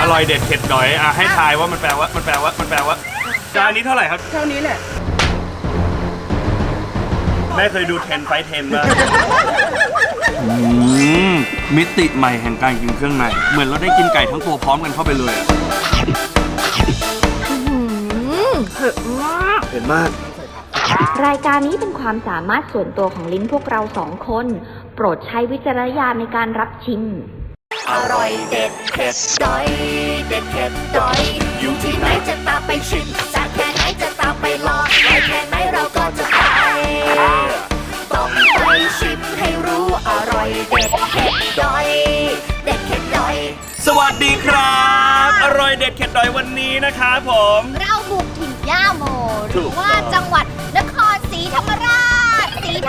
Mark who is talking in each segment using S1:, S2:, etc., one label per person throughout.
S1: ร่อยเด็ดเผ็ดดอยให้ทายว่ามันแปลว่าจานนี้เท่าไหร่ครับ
S2: เท่านี้แหละ
S1: แม่เคยดู10 Fight 10ป่ะมิติใหม่แห่งการกินเครื่องในเหมือนเราได้กินไก่ทั้งตัวพร้อมกันเข้าไปเลยอะ
S2: เผ็ดมาก
S1: เผ็ดมาก
S3: รายการนี้เป็นความสามารถส่วนตัวของลิ้นพวกเราสองคน โปรดใช้วิจารณญาณในการรับชิม
S4: อร่อยเด็ดเผ็ดดอยเด็ดเผ็ดดอยอยู่ที่ไหนจะตามไปชิมจากแค่ไหนจะตามไปลองไปแค่ไหนเราก็จะไปต้องไปชิมให้รู้อร่อยเด็ดเผ็ดดอยเด็ดเผ็ดดอย
S1: สวัสดีครับอร่อยเด็ดเผ็ดดอยวันนี้นะครับผม
S4: เราบุกถิ่นย่าโมหรือว่าจังหวัดนครศรีธรรมราช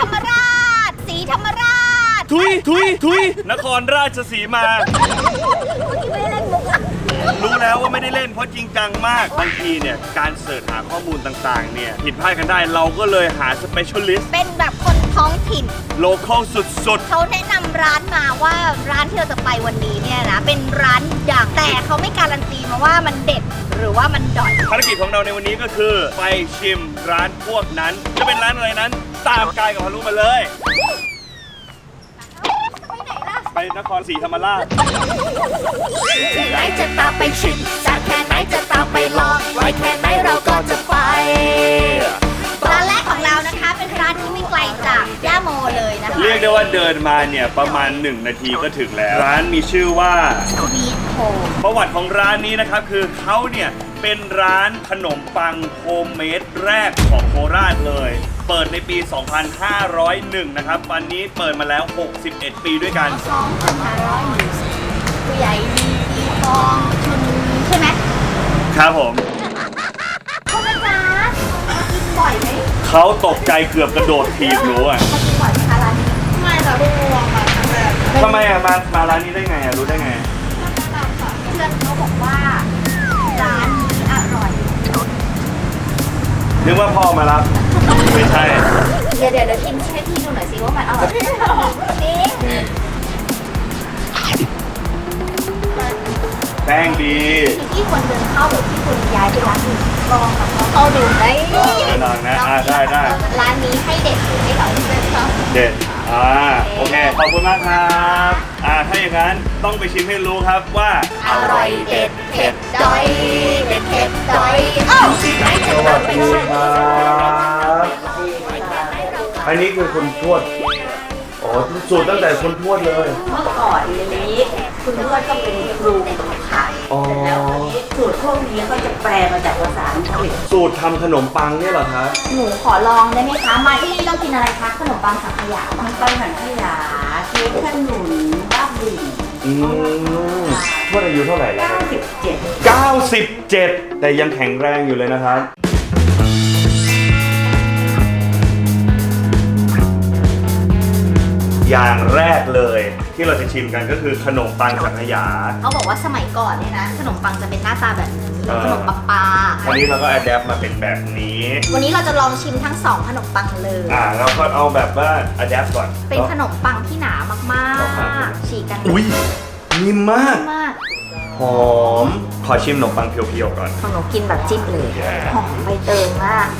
S1: ทุยนครราชสีมารู้แล้วว่าไม่ได้เล่นเพราะจริงจังมากบางทีเนี่ยการเสิร์ชหาข้อมูลต่างๆเนี่ยผิดพลาดกันได้เราก็เลยหาสเปเชียลิสต์
S4: เป็นแบบคนท้องถิ่น
S1: โลคอลสุดๆ
S4: เขาแนะนำร้านมาว่าร้านที่เราจะไปวันนี้เนี่ยนะเป็นร้านดังแต่เขาไม่การันตีมาว่ามันเด็ดหรือว่ามันดอย
S1: ภารกิจของเราในวันนี้ก็คือไปชิมร้านพวกนั้นจะเป็นร้านอะไรนั้นตามกายกับพารุมาเลยไปนครศรีธรรมราช
S4: ที่ไหนจะตามไปชิมจากแค่ไหนจะตามไปลองไว้แค่ไหนเราก็จะไปร้านแรกของเรานะคะเป็นร้านที่ไม่ไกลจากย่าโมเลยนะคะ
S1: เรียกได้ว่าเดินมาเนี่ยประมาณ1 นาทีก็ถึงแล้วร้านมีชื่อว่า
S4: สวีทโฮม
S1: ประวัติของร้านนี้นะครับคือเขาเนี่ยเป็นร้านขนมปังโฮมเมดแรกของโคราชเลยเปิดในปี 2501 นะครับวันนี้เปิดมาแล้ว 61 ปีด้วยกัน
S4: 2501ผู้ใหญ่ดีทองชุนใช่ไหม
S1: ครับผม
S4: เขาเป็นร้านกินบ่อยไหม
S1: เขาตกใจเกือบกระโดดถีบหนูอ่ะ
S4: เขากินบ่อยไหมคะร้านนี้
S2: ไม่แต่เพิ่งลองมาครั้งแรก
S1: ทำไมอ่ะมาร้านนี้ได้ไงอ่ะรู้ได้ไง
S4: เพื่อนเขาบอกว่าร้านนี้อร่อย
S1: นึกว่าพ่อมารับไม่ใช่
S4: เดี๋ยวชิมให้พี่ดูหน่อยสิว่ามันอร่อยนี่
S1: แป้งดี
S4: ที่ควรเดินเข้าหรือที่ควรย้ายไปร้านอื่นลองกับเขาดูได้
S1: ลองนะได้
S4: ร้านนี้ให้เด็ดหรือให้เรา
S1: เด็ดโอเคขอบคุณมากครับถ้าอย่างนั้นต้องไปชิมให้รู้ครับว่า
S4: อร่อยเด็ดเผ็ดดอยเด็ดเผ็ดดอยที่ไหนจะตามไปชิม
S1: อันนี้คือคุณทวดสูตรตั้งแต่คุณทวดเลย
S2: เมื่อก่อนนี้คุณทวดก็เป็นครูขายแล้วสูตรพวกนี้ก็จะแปลมาจากภาษาอังกฤษ
S1: สูตรทำขนมปังเนี่ยเหรอคะ
S4: หนูขอลองได้ไหมคะมาที่นี่ต้องกินอะไรคะขนมปังสังขยา
S2: มันปังสังขยาเค้กขนุนบ้าบิ่น
S1: ทวดอายุเท่าไหร่แล้ว97แต่ยังแข็งแรงอยู่เลยนะครับอย่างแรกเลยที่เราจะชิมกันก็คือขนมปังสังขยา
S4: เขาบอกว่าสมัยก่อนเนี่ยนะขนมปังจะเป็นหน้าตาแบบนี้ขนมปังปลา
S1: วันนี้เราก็อัดแอปมาเป็นแบบนี้
S4: วันนี้เราจะลองชิมทั้ง2ขนมปังเลย
S1: เราก็เอาแบบว่าอัดแอปก่อน
S4: เป็นขนมปังที่หนามากๆฉีกกัน
S1: อุ้ยนิ่มมากหอมขอชิมขนมปังเพียวๆก่อน
S4: ของหนูกินแบบจิ้มเลยหอมใบเตยมาก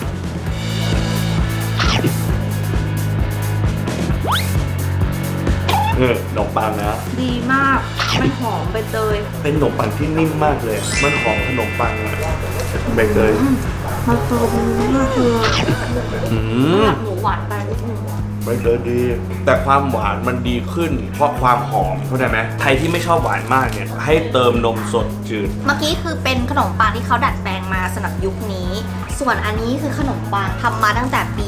S1: ขนมปังนะ
S2: ดีมากมันหอมใบเตย
S1: เป็นขนมปังที่นิ่มมากเลยมันหอมขนมปังใบเตย
S2: มันโตมากเลยหมูหวานไปนิดนึง
S1: ใบเตยดีแต่ความหวานมันดีขึ้นเพราะความหอมเข้าใจไหมใครที่ไม่ชอบหวานมากเนี่ยให้เติมนมสดจืด
S4: เมื่อกี้คือเป็นขนมปังที่เขาดัดแปลงมาสำหรับยุคนี้ส่วนอันนี้คือขนมปังทำมาตั้งแต่ปี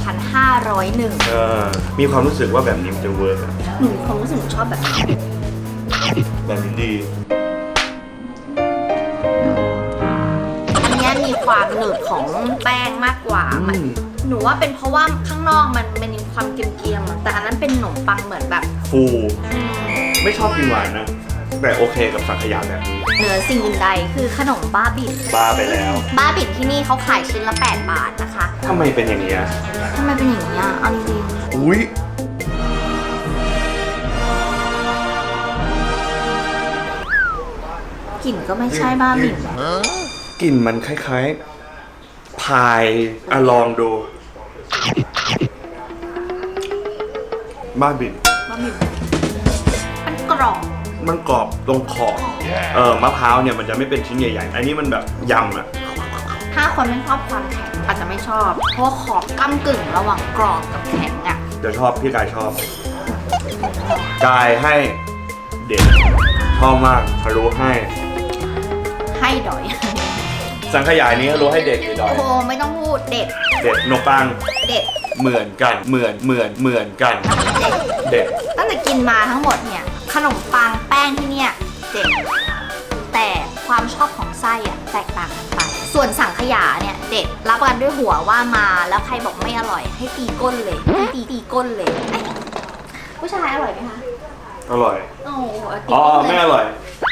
S4: 2501
S1: มีความรู้สึกว่าแบบนี้มันจะเวิร์ก
S4: หนูความรู้สึกหนูชอบแบบนี้
S1: ดี
S4: อันนี้มีความหนืดของแป้งมากกว่าหนูว่าเป็นเพราะว่าข้างนอกมันมีความเกรียมๆแต่อันนั้นเป็นขนมปังเหมือนแบบ
S1: ฟูไม่ชอบกินหวานนะแต่โอเคกับสังขยาแบบนี้
S4: เหนือสิ่งอื่นใดคือขนมบ้าบิ่น
S1: บ้าไปแล้ว
S4: บ้าบิ่นที่นี่เขาขายชิ้นละ8 บาทนะคะ
S1: ทำไมเป็นอย่างนี้
S4: ทำไมเป็นอย่างนี้เอาจริง
S1: อุ้ย
S2: กลิ่นก็ไม่ใช่บ้าหมิ่น
S1: กลิ่นมันคล้ายๆพายลองดูบ้าบิ่น
S2: บ้าหมิ่นมันกรอบ
S1: มันกรอบตรงขอบมะพร้าวเนี่ยมันจะไม่เป็นชิ้นใหญ่ๆอันนี้มันแบบยำอะ
S2: ถ้าคนไม่ชอบความแข็งอาจจะไม่ชอบ เพราะว่าขอบก้ำกึ่งระหว่างกรอบกับแข็งอ่ะ
S1: เดี๋ยวชอบพี่กายชอบกายให้เด็ดชอบมากทะลุให้
S2: ให้ดอย
S1: สังขยานี้ทะลุให้เด็กหรือดอย
S2: โอ้โหไม่ต้องพูดเด็ด
S1: เด็ดนกปัง
S2: เด็ด
S1: เหมือนกันเหมือนกัน
S2: เด็ด
S1: เด็ด
S2: ตั้งแต่กินมาทั้งหมดเนี่ยขนมปังแป้งที่เนี่ยเด็ดแต่ความชอบของไส้อะแตกต่างกันไป ส่วนสังขยาเนี่ยเด็ดรับประกันด้วยหัวว่ามาแล้วใครบอกไม่อร่อยให้ตีก้นเลยให้ตีก้นเลยเอ๊ะผู้ชายอร่อยไหมคะ
S1: อร่อย
S2: โอ้โหตี
S1: อ๋อ
S2: ก้น
S1: ไม่
S2: เลย
S1: อร่อย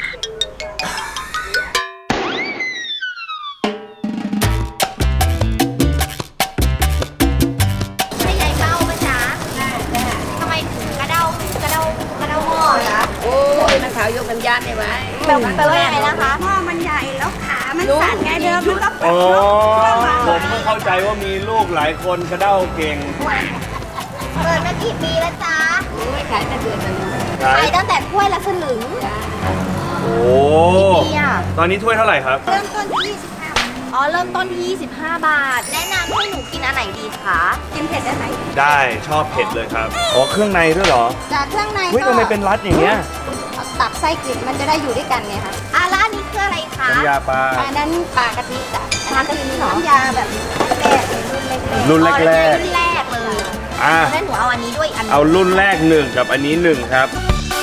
S2: ใช่ยายเบ้าไหมจ๊ะทำไมถึงกระเด้าหม้อจ๊ะ
S5: โอ้ยมันขาวยกกันยันได้ไหม
S2: แปลว่ายังไงนะคะ
S5: หม้อมันใหญ่แล้วขามันสั่นไงเดิมมันก็
S1: อ๋อผมเพิ่งเข้าใจว่ามีลูกหลายคนกระเด้าเก่ง
S2: เปิดมากี่ปีแล้วจ๊ะ
S5: ไม่ขายแต่เดือนละ
S1: ครั
S2: ขาย
S1: บ
S2: ตั้งแต่ถ้วยละสลึง
S1: โอ้
S2: กี่ปีอะ
S1: ตอนนี้ถ้วยเท่าไหร่ครับ
S5: เริ่มต้นที่25 บาท
S2: อ๋อ เริ่มต้นที่25 บาท แนะนำให้หนูกินอันไหนดีคะ
S5: กินเผ็ดได้ไหม
S1: ได้ชอบเผ็ดเลยครับอ๋อเครื่องในด้วยเหรอ
S5: จากเครื่องใน
S1: เฮ้ย
S5: ก็
S1: ทำไมเป็นรัดอย่างเงี้ย
S5: ตับไส้กลิ่นมันจะได้อยู่ด้วยกันไงคะ
S2: อ่ะร้านนี้คืออะไรคะ
S1: น้ำยาปลา
S5: อันนั้นปลากะทิจ้ะ
S2: ปลากะทิเหรอ
S5: น้ำยาแบบแรกรุ่นเล็ก
S1: รุ่นแรก
S2: รุ่นแรกเลย
S1: ๆอ่ะ
S2: แล้วหนูเอาอันนี้ด้วยอีกอันหนึ่ง
S1: เอารุ่นแรก1กับอันนี้1ครับ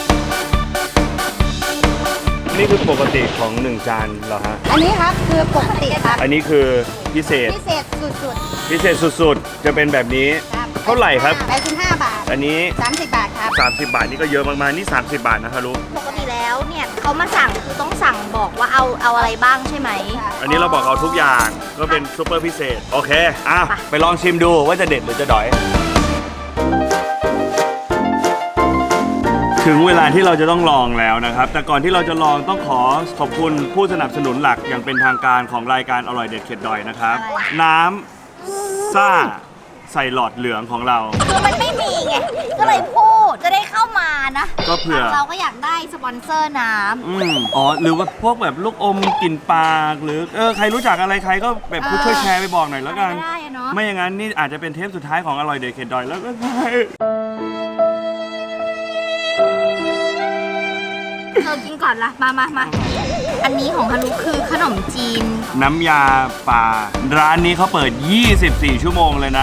S1: นี่คือปกติของ1จานเหรอฮะ
S5: ๆอันนี้ครับคือปกติครับ
S1: อันนี้คือพิเศษ
S5: พิเศษสุด
S1: พิเศษสุดๆ จะเป็นแบบนี้
S5: ๆครับ
S1: เท่าไหร่ครับ
S5: 85 บาท
S1: อันนี้
S5: 30 บาทครับ
S1: 30 บาทนี่ก็เยอะมากๆ นี่ 30 บาทนะฮะลูก
S2: ปกติแล้วเนี่ยเขามาสั่งคือต้องสั่งบอกว่าเอาอะไรบ้างใช่ไหม
S1: อันนี้เราบอกเอาทุกอย่างก็เป็นซุปเปอร์พิเศษ โอเค อ่ะ ไปลองชิมดูว่าจะเด็ดหรือจะดอย ถึงเวลาที่เราจะต้องลองแล้วนะครับ แต่ก่อนที่เราจะลองต้องขอขอบคุณผู้สนับสนุนหลักอย่างเป็นทางการของรายการอร่อยเด็ดเข็ดดอยนะครับ น้ำซ่าใส่หลอดเหลืองของเรา
S2: คือมันไม่มีไง ก็เลยพูดจะได้เข้ามานะ
S1: ก็เผื่อ
S2: เราก็อยากได้สปอนเซอร์น้ำ
S1: อ๋อ หรือว่าพวกแบบลูกอมกลิ่นปากหรือใครรู้จักอะไรใครก็แบบช่วยแชร์ไปบอกหน่อยแล้วกัน
S2: ได้อะเนาะ
S1: ไม่อย่างนั้นนี่อาจจะเป็นเทปสุดท้ายของอร่อยเด็ดเข็ดดอยแล้วก็ได้
S2: เธอกินก่อนละมาอันนี้ของฮารุคือขนมจีน
S1: น้ำยาปลาร้านนี้เขาเปิด 24 ชั่วโมงเลยนะ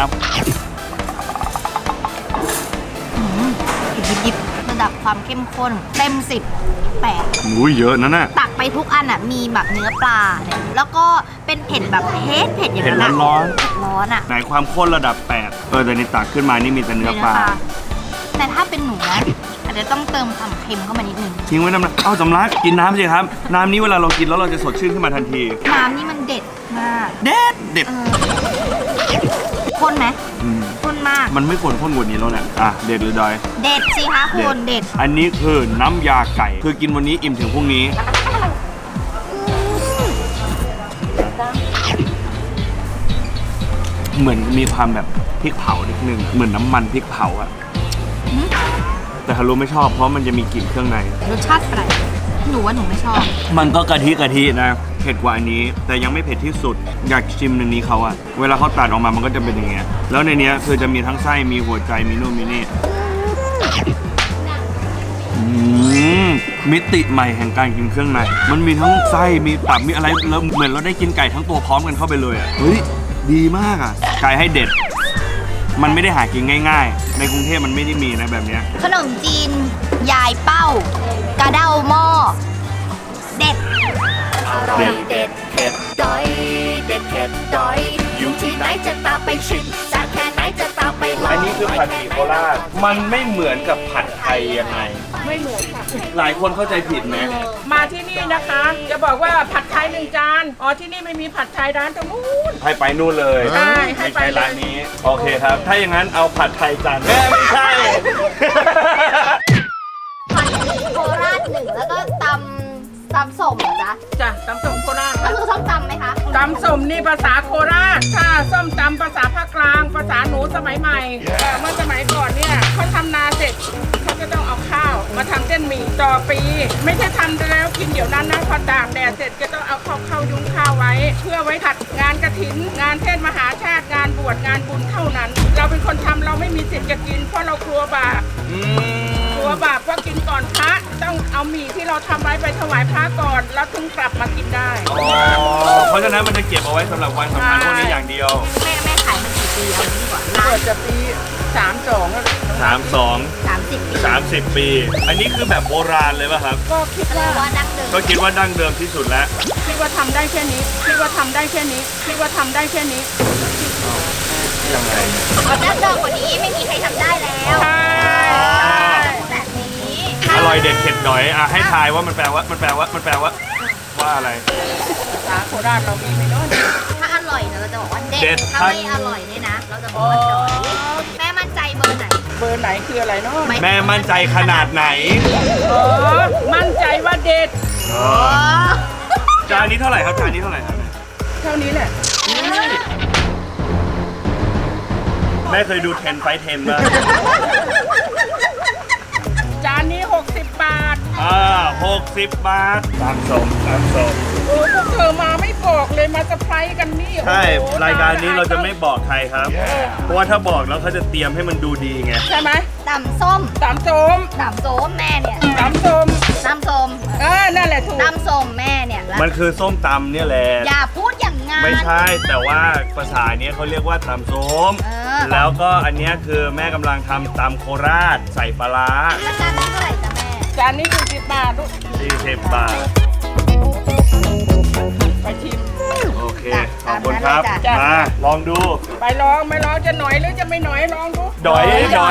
S2: ดิบๆระดับความเข้มข้นเต็ม10 8
S1: อุ้ยเยอะนะน่ะ
S2: ตักไปทุกอันอ่ะมีแบบเนื้อปลาเนี่ยแล้วก็เป็นเผ็ดแบบเผ็ดอย่าง
S1: เผ็ด
S2: นั้นอะ
S1: ร้อน
S2: เผ็ดร้อนอ่ะ
S1: ไหนความข้นระดับ 8แต่นี่ตักขึ้นมานี่มีแต่เนื้อปลา
S2: แต่ถ้าเป็นหนูนะอาจจะต้องเติมความเค็มเข้ามานิดนึง
S1: ทิ้งไว้น้ำเอ้าสำลักกินน้ำสิครับ น้ำนี้เวลาเรากินแล้วเราจะสดชื่นขึ้นมาทันที
S2: น้ำนี่มันเด็ดมาก
S1: เด็ดเด็ด
S2: ข้นไหม
S1: ม
S2: ข้นมาก
S1: มันไม่ควรข้นกว่านี้แล้วแหละอ่ะเด็ดหรือดอย
S2: เด็ดสิคะคุณเด็ด
S1: อันนี้คือน้ำยาไก่ คือกินวันนี้อิ่มถึงพรุ่งนี้ เหมือนมีความแบบพริกเผานิดนึง เหมือนน้ำมันพริกเผาอะแต่ฮารุไม่ชอบเพราะมันจะมีกลิ่นเครื่องใน
S2: รสชาติแปลกหนูว่าหนูไม่ชอบ
S1: มันก็กะทินะเผ็ดกว่าอันนี้ แต่ยังไม่เผ็ดที่สุด อยากชิมในนี้เขาอะเวลาเขาตัดออกมามันก็จะเป็นอย่างเงี้ยแล้วในเนี้ยคือจะมีทั้งไส้มีหัวใจมีนู่นมีนี่มิติใหม่แห่งการกินเครื่องในมันมีทั้งไส้มีตับมีอะไรแล้วเหมือนเราได้กินไก่ทั้งตัวพร้อมกันเข้าไปเลยอะเฮ้ยดีมากอะไก่ให้เด็ด มันไม่ได้หากินง่ายๆ ในกรุงเทพมันไม่ได้มีนะแบบเนี้ย
S2: ขนมจีนยายเป้ากระเด้าหม้อเด็ด
S4: อร่อยเด็ดเผ็ดดอย เด็ดเผ็ดดอย อยู่ที่ไหนจะตามไปชิมจากแค่ไหนจะตามไปลอง
S1: อันนี้คือผัดหมี่โคราช มันไม่เหมือนกับผัดไทยยังไง
S6: ไม่เหมือนค่ะ
S1: หลายคนเข้าใจผิดไหม
S6: มาที่นี่นะคะ จะบอกว่าผัดไทย1 จาน อ๋อที่นี่ไม่มีผัดไทยร้านตรงนู้น
S1: ให้ไปนู่นเลย
S6: ใช่ให้
S1: ไม่
S6: ไป
S1: ใช่
S6: เลย
S1: ร้านนี้ โอเคครับ ถ้าอย่างนั้นเอาผัดไทยจานไม่ใช่
S2: ผัดหมี่โคราช1แล้วก็ตำตำส้มเหรอจ๊ะ
S6: จ้ะตำส้มโคราช
S2: ก็คือส้มตำไหมคะ
S6: ตำส้มนี่ภาษาโคราชถ้าส้มตำภาษาภาคกลางภาษาหนูสมัยใหม่แต่เมื่อสมัยก่อนเนี่ยเขาทำนาเสร็จเขาจะต้องเอาข้าวมาทำเส้นหมี่ต่อปี ไม่ใช่ทำแล้วกินเดี๋ยวนั้นนะพอตากแดดเสร็จก็ต้องเอาเข้ายุ้งข้าวไว้ เพื่อไว้ผัดงานกฐินงานเทศมหาชาติงานบวชงานบุญเท่านั้น เราเป็นคนทำเราไม่มีสิทธิ์จะกินเพราะเรากลัวบาป กลัวบาปว่ากินก่อนพระต้องเอาหมี่ที่เราทำไว้ไปถวายพระก่อนแล้วถึงกลับมากินได้
S1: เพราะฉะนั้นมันจะเก็บเอาไว้สำหรับวันสำคัญพวกนี้อย่างเดียว
S2: แม่ขายมากี่ปีเอางี้ดีกว่า
S6: เปิดจะปี32แล้ว
S1: 32
S2: 30 ปี
S1: 30 ปี อันนี้คือแบบโบราณเลยป่ะครับ
S6: ก็คิด
S2: ก็เลย
S6: ว่า
S2: ว่าดั้งเดิม
S1: ก็คิดว่าดั้งเดิมที่สุดแล้ว
S6: คิดว่าทำได้แค่นี้คิดว่าทำได้แค่นี้คิดว่าทำได้แค่นี้
S1: ยังไง
S2: ดั้งเดิมกว่านี้ไม่มีใครทำได้แล้ว
S6: ใช่
S2: แบบนี้
S1: อร่อยเด็ดเข็ดหน่อยอ่ะให้ทายว่ามันแปลว่าว่าอะไร
S6: ภาษาโคราชเรามีไหมเนาะ
S2: ถ้าอร่อยเนี่ยเราจะบอกว่าเด็
S1: เด็
S2: ด
S1: ด
S2: ถ้าไม่อร่อยเนี่ยนะ เราจะบอกว่าดอยแม่มั่นใจเบอร์ไหน
S6: เบอร์ไหนคืออะไรเนาะ
S1: แม่มั่นใจขนาดไหน
S6: อ๋อมั่นใจว่าเด็ด
S1: จานนี้เท่าไหร่ครับจานนี้เท่าไหร่ครับ
S6: เท่านี้แหละ
S1: แม่เคยดู10 ไฟท์ 10ป่ะ
S6: จานนี้60 บาท
S1: 60 บาทตามสม
S6: โอ้พวกเธอมาไม่บอกเลยมาเซอร์ไพรส์กันนี่
S1: ใช่
S6: โอ้โห
S1: รายการนี้เราจะไม่บอกใครครับ เพราะว่าถ้าบอกแล้วเขาจะเตรียมให้มันดูดีไง
S6: ใช่ไหม
S2: ตำส้ม
S6: ตำส้ม
S2: ตำส้มแม่เนี่ย
S6: ตำส้ม
S2: ตำส้ม
S6: นั่นแหละถูก
S2: ตำส้มแม่เนี่ยแล้ว
S1: มันคือส้มตำเนี่ยแหละ
S2: อย่าพูดอย่างงั้น
S1: ไม่ใช่แต่ว่าภาษาเนี้ยเขาเรียกว่าตำส้ม
S2: เออ
S1: แล้วก็อันเนี้ยคือแม่กำลังทำตำโคราชใส่ปลาร้า
S2: แล้วจานนี้เท่าไหร่จ๊ะแม่
S6: จานนี้40 บาทลูก
S1: 40 บาท
S6: ไปชิม
S1: โอเค ขอบคุณครับ
S6: จ้ะ
S1: มาลองดู
S6: ไปลองไม่ลองจะหน่อยหรือจะไม่หน่อยลองดู
S1: ดอย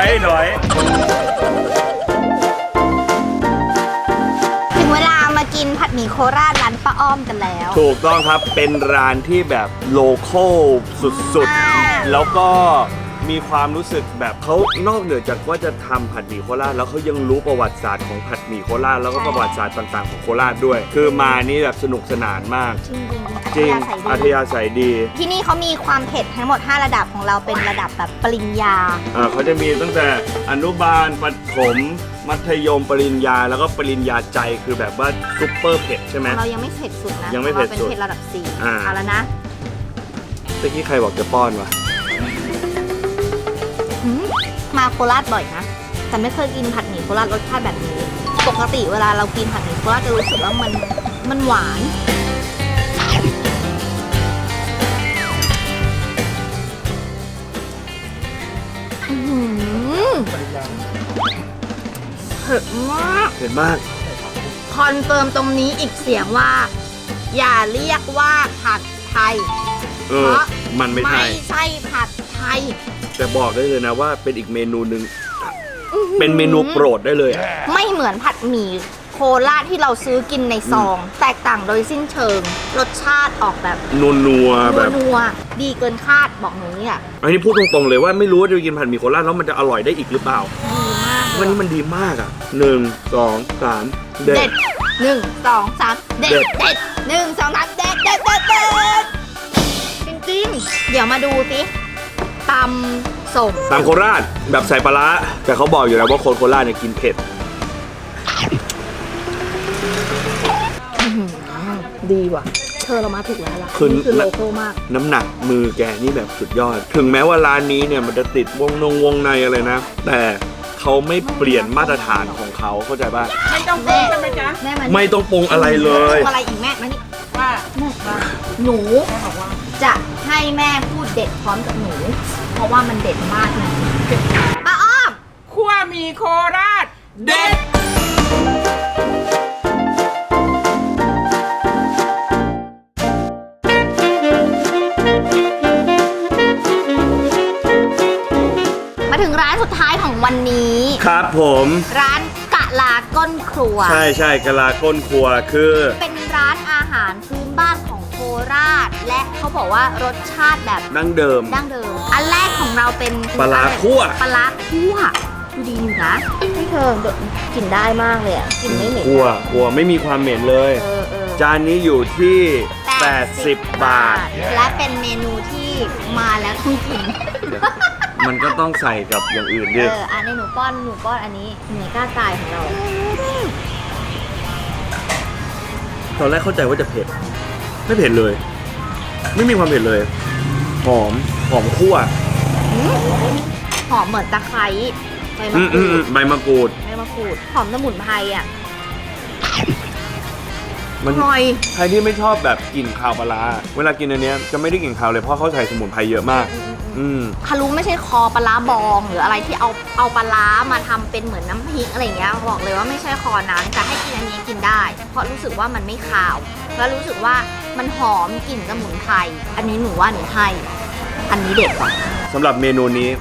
S2: ถึงเวลามากินผัดหมี่โคราชร้านป้าอ้อมกันแล้ว
S1: ถูกต้องครับ เป็นร้านที่แบบโลคอลสุด
S2: มาก
S1: ๆ แล้วก็มีความรู้สึกแบบเขานอกเหนือจากว่าจะทำผัดหมี่โคราชแล้วเขายังรู้ประวัติศาสตร์ของผัดหมี่โคราชแล้วก็ประวัติศาสตร์ต่างๆของโคราชด้วย คือมานี่แบบสนุกสนานมาก
S2: จริง
S1: อัธยาศัยดี
S2: ที่นี่เขามีความเผ็ดทั้งหมด 5 ระดับของเราเป็นระดับแบบปริญญา
S1: เขาจะมีตั้งแต่อนุบาลประถมมัธยมปริญญาแล้วก็ปริญญาใจคือแบบว่าซุปเปอร์เผ็ดใช่ไหม
S2: เรายังไม่เผ็ดสุดนะ
S1: ยังไม่เผ็ดสุด
S2: ราเป็นเผ็ดระดับ4
S1: อ่า
S2: เอาแล้วนะ
S1: เมื่อกี้ใครบอกจะป้อนวะ
S2: หืมมาโคราชบ่อยนะ แต่ไม่เคยกินผัดหมี่โคราชรสชาติแบบนี้ ปกติเวลาเรากินผัดหมี่โคราชจะรู้สึกว่ามันหวาน อื้อหือเผ็ดมาก
S1: เผ็ดมาก
S2: คอนเฟิร์มตรงนี้อีกเสียงว่า อย่าเรียกว่าผัดไทย เพราะ
S1: มันไม่ใช่
S2: ไม่ใช่ผัดไทย
S1: แต่บอกได้เลยนะว่าเป็นอีกเมนูหนึ่งเป็นเมนูโปรดได้เลยอะ
S2: ไม่เหมือนผัดหมี่โคราชที่เราซื้อกินในซอง แตกต่างโดยสิ้นเชิง รสชาติออกแบบ
S1: นัวๆแบบ
S2: นัวๆดีเกินคาดบอกหนูเนี่ย
S1: อันนี้พูดตรงๆเลยว่าไม่รู้ว่าจะกินผัดหมี่โคราชแล้วมันจะอร่อยได้อีกหรือเปล่า
S2: ดีมาก
S1: วันนี้มันดีมากอ่ะ1 2 3 เด็
S2: เด็
S1: ด
S2: ด1 2 3 เด็ด
S1: เด็ด
S2: เด็ด1 2 3 เด็ดเด็ดเด็ดเด็ดจริงๆ เดี๋ยวมาดูสิตำส้ม
S1: ตามโคราชแบบใส่ปลาร้าแต่เขาบอกอยู่แล้วว่าคนโคราชเนี่ยกินเผ็ด
S2: ดีว่ะ เธอเรามาถูกแล้วล่ะ
S1: คือ
S2: นี่คือโลโก้มาก
S1: น้ำหนักมือแกนี่แบบสุดยอด ถึงแม้ว่าร้านนี้เนี่ยมันจะติดวงในอะไรนะ แต่เขาไม่เปลี่ยนมาตรฐานของเขาเข้าใจป่ะ
S6: ไม่ต้องปรุงใช่ไหมจ๊ะ
S2: แม่มัน
S1: ไม่ต้องปรุงอะไรเลย
S2: อะไรอีกแม่มานี่
S6: ว่า
S2: แม่ว่าหนูจะให้แม่พูดเด็ดพร้อมกับหนู เพราะว่ามันเด็ดมากนะป้าอ้อม
S6: คั่วหมี่โคราช
S1: เด็ด
S2: มาถึงร้านสุดท้ายของวันนี้
S1: ครับผม
S2: ร้านกะลาก้นครัว
S1: ใช่กะลาก้นครัวคือ
S2: เป็นร้านอาหารพื้นบ้านของโคราช และเขาบอกว่ารสชาติแบบ
S1: ดั้งเดิม
S2: ดั้งเดิม อันแรกของเราเป็น
S1: ปลาร้าคั่ว
S2: ปลาร้าคั่วดูดีอยู่นะให้เธอกินได้มากเลยอ่ะกินไม่เหม็น
S1: ครัวไม่มีความเหม็นเลย
S2: เออ
S1: จานนี้อยู่ที่ 80 บาท
S2: และเป็นเมนูที่มาแล้วต้องกิน
S1: มันก็ต้องใส่กับอย่างอื่นดิ
S2: อันนี้หนูป้อนอันนี้หนูกล้าตายของเรา
S1: ตอนแรกเข้าใจว่าจะเผ็ด ไม่เผ็ดเลย ไม่มีความเผ็ดเลย หอมคั่ว
S2: หอมเหมือนตะไคร้ใบมะ
S1: อื
S2: กรูด
S1: ใบมะกรูด
S2: หอมสมุนไพรอ่ะ
S1: มัน
S2: อร่อย
S1: ใครที่ไม่ชอบแบบกลิ่นคาวปลาร้าเวลากินอันเนี้ยจะไม่ได้กลิ่นคาวเลยเพราะเขาใส่สมุนไพรเยอะมาก
S2: คารุไม่ใช่คอปลาร้าบองหรืออะไรที่เอาปลาร้ามาทำเป็นเหมือนน้ำพริกอะไรอย่างเงี้ยบอกเลยว่าไม่ใช่คอนั้นแต่ให้กินอันนี้กินได้ เพราะรู้สึกว่ามันไม่คาวแล้วรู้สึกว่ามันหอมกลิ่นสมุนไพรอันนี้หนูว่าหนูให้อันนี้เด็ดกว่า
S1: สำหรับเมนูนี้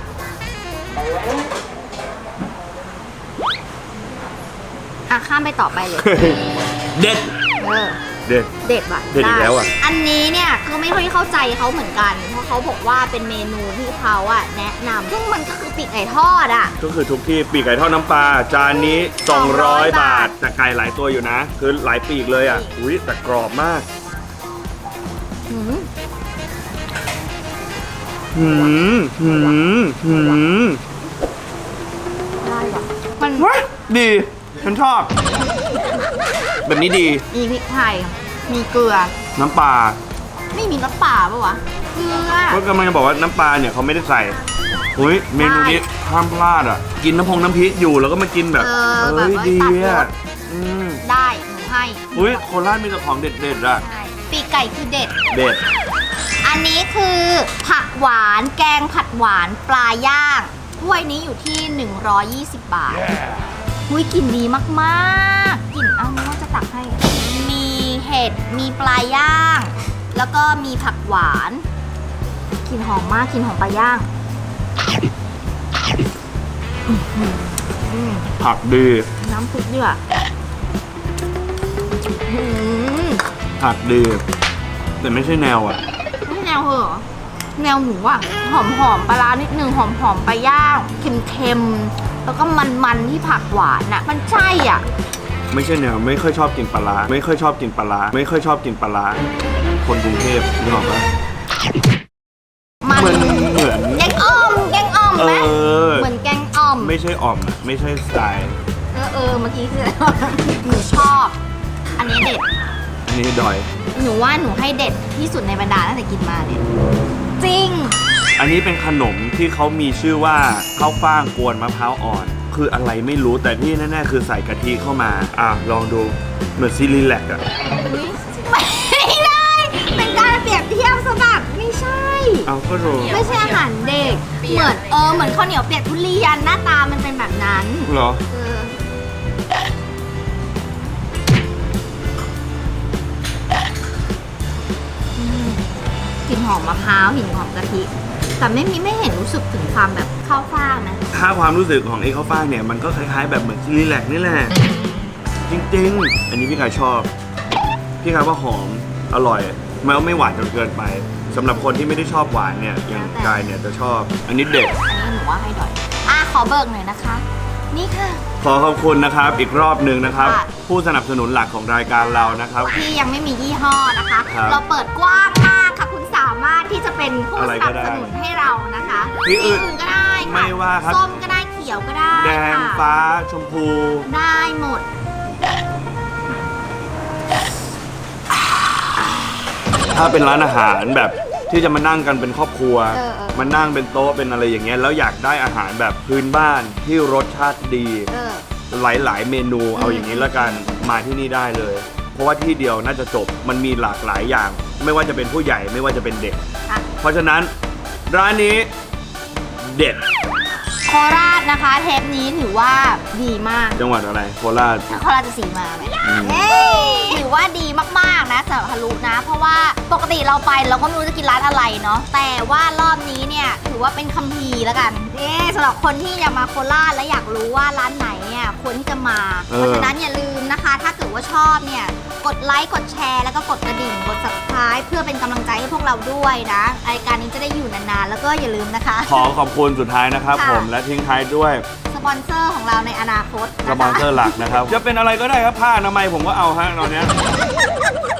S2: ข้ามไปต่อไปเลย
S1: เด็ด เด็ด
S2: เด็ดว่ะ
S1: เด็ดอีกแล้วอ่ะ
S2: อันนี้เนี่ยก็ไม่ค่อยเข้าใจเขาเหมือนกัน เพราะเขาบอกว่าเป็นเมนูที่เขาอะแนะนำซึ่งมันก็คือปีกไก่ทอดอะ
S1: ก็คือทุกที่ปีกไก่ทอดน้ำปลาจานนี้ 200 บาท แต่ไก่หลายตัวอยู่นะ คือหลายปีกเลยอ่ะอุ้ยแต่กรอบมาก
S2: หืม ได้ว่ะมัน
S1: ดีฉันชอบ แบบนี้ดี
S2: มีพริกไทยมีเกลือ
S1: น้ำปลา
S2: ไม่มีน้ำปลาปะวะเกลือ
S1: ก็กำลังจะบอกว่าน้ำปลาเนี่ยเขาไม่ได้ใส่อุ้ยเมนูนี้ห้ามพลาดอ่ะ กินน้ำพริกอยู่แล้วก็มากินแบบ
S2: แบบว่า
S1: ดี
S2: ตัดร
S1: อ่ะ
S2: สได้หนูให้
S1: อุ้ยโคราชมีแต่ของเด็ดๆอ่ะ
S2: ใช่ปีกไก่คือเด็ด
S1: เด็ด
S2: อันนี้คือผักหวานแกงผัดหวานปลาย่างถ้วยนี้อยู่ที่ 120 บาทอุ้ยกลิ่นดีมากๆกลิ่นอ้าวว่าจะตักให้ มีเห็ดมีปลาย่าง แล้วก็มีผักหวานกลิ่นหอมมากกลิ่นหอมปลาย่าง
S1: ผักดี
S2: น้ำซุปด้วยอืม
S1: ผักดีแต่ไม่ใช่แนวอ่ะ
S2: ไม่แนวเหรอแนวหมูอ่ะหอมปลาร้านิดนึงหอมปลาย่างเค็มๆแล้วก็มันที่ผักหวานอ่ะมันใช่อ่ะ
S1: ไม่ใช่แนวไม่ค่อยชอบกินปลาร้าไม่ค่อยชอบกินปลาร้าไม่ค่อยชอบกินปลาร้าคนกรุงเทพนึกออกปะ
S2: มัน
S1: เหมือน
S2: แกงอ่อมไหมเหมือนแกงอ่อม
S1: ไม่ใช่อ่อมอะไม่ใช่สไตล์
S2: เมื่อกี้คืออะไรวะหนูชอบ อันนี้เด็ด
S1: อันนี้ดอย
S2: หนูว่าหนูให้เด็ดที่สุดในบรรดาตั้งแต่กินมาเนี่ยจริง
S1: อันนี้เป็นขนมที่เขามีชื่อว่าข้าวฟ่างกวนมะพร้าวอ่อน คืออะไรไม่รู้แต่ที่แน่ๆคือใส่กะทิเข้ามาลองดูเหมือนซีรีแลกอะ
S2: ไม่ได้ เป็นการเปรียบเทียบซะแบบไม่ใช่
S1: เอาก็รู้
S2: ไม่ใช่อาหารเด็ก เหมือนเหมือนข้าวเหนียวเปียกทุเรียนหน้าตามันเป็นแบบนั้น
S1: เหรอ
S2: กลิ่นหอมมะพร้าวกลิ่นหอมกะทิ แต่ไม่เห็นรู้สึกถึงความแบบข้าวฟ่างนะ
S1: ถ้าความรู้สึกของไอ้ข้าวฟ่างเนี่ยมันก็คล้ายๆแบบเหมือนซีรีแลกนี่แหละจริงๆ อันนี้พี่กายชอบพี่กายว่าหอมอร่อยไม่หวานจนเกินไปสำหรับคนที่ไม่ได้ชอบหวานเนี่ยอย่างกายเนี่ยจะชอบอันนี้เด็ด
S2: อันนี้หนูว่าให้ดอยขอเบิกหน่อยนะคะ นี่ค่ะ
S1: ขอขอบคุณนะครับอีกรอบหนึ่งนะครับ
S2: ค่ะ
S1: ผู้สนับสนุนหลักของรายการเรานะครับ
S2: ที่ยังไม่มียี่ห้อนะคะ
S1: ครับ
S2: เราเปิดกว้างมากค่ะ คุณสามารถที่จะเป็นผู้
S1: อะไร
S2: ส
S1: ก็
S2: นับ
S1: ได้
S2: สนุนให้เรานะคะ
S1: ที่อื่น
S2: ก็ได้ค่ะ
S1: ไม่ว่าครับ
S2: ส้มก็ได้เขียวก็ได้
S1: แดง
S2: ค่ะ
S1: ฟ้าชมพู
S2: ได้หมด
S1: ถ้าเป็นร้านอาหารแบบที่จะมานั่งกันเป็นครอบครัว มานั่งเป็นโต๊ะเป็นอะไรอย่างเงี้ยแล้วอยากได้อาหารแบบพื้นบ้านที่รสชาติดี หลายๆเมนูเอาอย่างนี้ละกันมาที่นี่ได้เลย เพราะว่าที่เดียวน่าจะจบมันมีหลากหลายอย่าง ไม่ว่าจะเป็นผู้ใหญ่ไม่ว่าจะเป็นเด็ก
S2: ค่ะ
S1: เพราะฉะนั้นร้านนี้เด็ด
S2: โคราชนะคะ เทปนี้ถือว่าดีมาก
S1: จังหวัดอะไรโคราช
S2: โคราชสีมาไหมถือว่าดีมากๆนะสำหรับฮารุนะ เพราะว่าปกติเราไปเราก็ไม่รู้จะกินร้านอะไรเนาะแต่ว่ารอบนี้เนี่ยถือว่าเป็นคัมภีร์แล้วกันสำหรับคนที่อยากมาโคราชและอยากรู้ว่าร้านไหนเนี่ยควรที่จะมาเพราะฉะนั้นอย่าลืมนะคะ ถ้าเกิดว่าชอบเนี่ยกดไลค์กดแชร์แล้วก็กดกระดิ่งกด subscribe เพื่อเป็นกำลังใจให้พวกเราด้วยนะรายการนี้จะได้อยู่นานๆแล้วก็อย่าลืมนะคะ
S1: ขอขอบคุณสุดท้ายนะครับ
S2: ค่ะ
S1: ผมและทิ้งท้ายด้วย
S2: สปอนเซอร์ของเราในอนาคต
S1: สปอนเซอร์หลักนะครับ จะเป็นอะไรก็ได้ครับผ้าอนามัยผมก็เอาฮะตอนเนี้ย